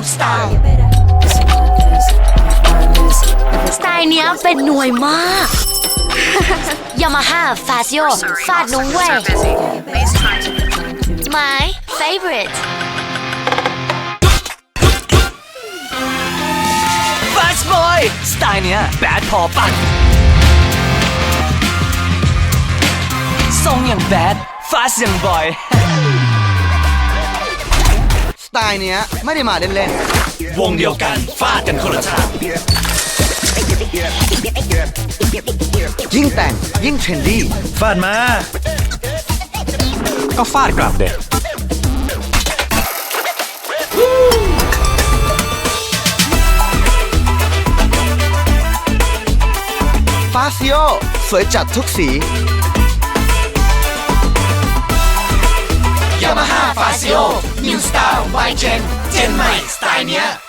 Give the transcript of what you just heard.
style สไตล์เนี้ยเป็นหน่วยมาก Yamaha Fazio ฟาดนุ่งเว่ย My favorite Fast Boy สไตล์เนี้ยแบดพอปะทรงอย่างแบด Fast อย่างบอยสไตล์เนี้ยไม่ได้มาเล่นวงเดียวกันฟาดกันคนละทางๆ ยิ่งแต่งยิ่งเทรนดี้ฟาดมา ก็ฟาดกลับเด็กฟาซิโอสวยจัดทุกสี Yamaha Fazio New Style by Gen ใหม่สไตล์เนี้ย